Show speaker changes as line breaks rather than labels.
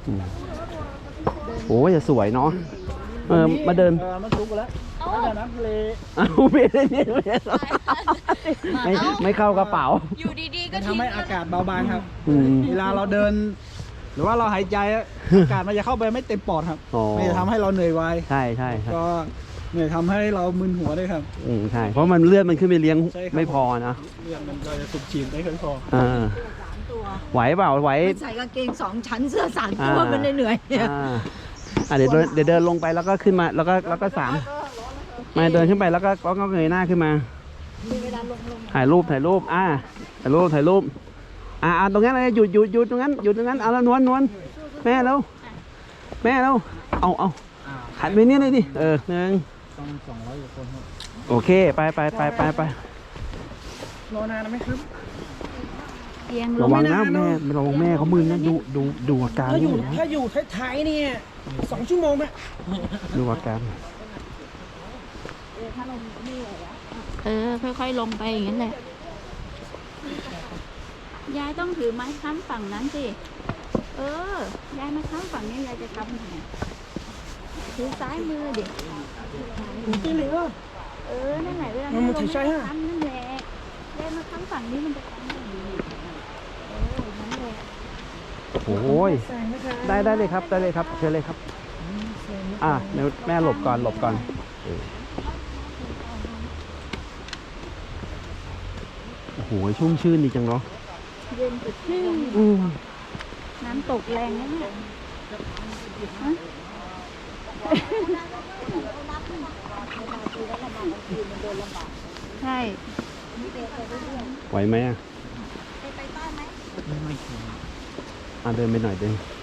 โอ้ยจะสวยเนาะมาเดิน
มันสุกแล้วแล้วน้ำทะเล
ไม่ได้เนี่ยไม่เข้ากระเป๋า
อยู่ดีๆก็
ทำให้อากาศเบาบางครับเวลาเราเดินหรือว่าเราหายใจอากาศมันจะเข้าไปไม่เต็มปอดครับมันจะทำให้เราเหนื่อยไว
ใช่
ก็เหนื่อยทำให้เรามึนหัวด้วยครับ
ใช่เพราะมันเลือดมันขึ้นไปเลี้ยงไม่พอนะ
เลือดมันก็จะสูบฉีดไม่ค่อยพอ
ไหวเปล่าไหว
ใส่กางเกง2 ชั้นเสื้อ3 ตัวมันเหนื่อย
เดี๋ยวเดินลงไปแล้วก็ขึ้นมาแล้วก็มาเดินขึ้นไปแล้วก็เงยหน้าขึ้นมาถ่ายรูปถ่ายรูปตรงนั้นเลยหยุดตรงนั้นเอาแล้วนวลแม่แล้วเอาหันไปนี่เลยดิ1
ต้อง200 กว่าคนครับ
โอเคไประ
นานไหมครับ
ระวังนะแม่ระวังแม่เขามึนนะดูอาการ
ถ้าอยู่ท้ายๆเนี่ย2 ชั่วโมงไหม
ดูอาการ
ค่อยๆลงไปอย่างนั้นแหละยายต้องถือไม้ค้ำฝั่งนั้นสิยายมาค้ำฝั่งนี้ยายจะค้ำยังไงถือซ้ายมือดิ
ที่เหลือ
นั่นแหละเวลามันถือใช่ฮะค้ำนั่นแหละยายมาค้ำฝั่งนี้มันจะค้ำอย่างนี้นั่นแหละ
โอ้ยได้เลยครับเชิญเลยครับเดี๋ยวแม่หลบก่อนโอ้โหชุ่มชื่นดีจังเนาะ
เย็นสดชื่นน้ำตกแรงนะเนี่ยใช่
ไหวไหมไปใต้ไหมเดินไปหน่อย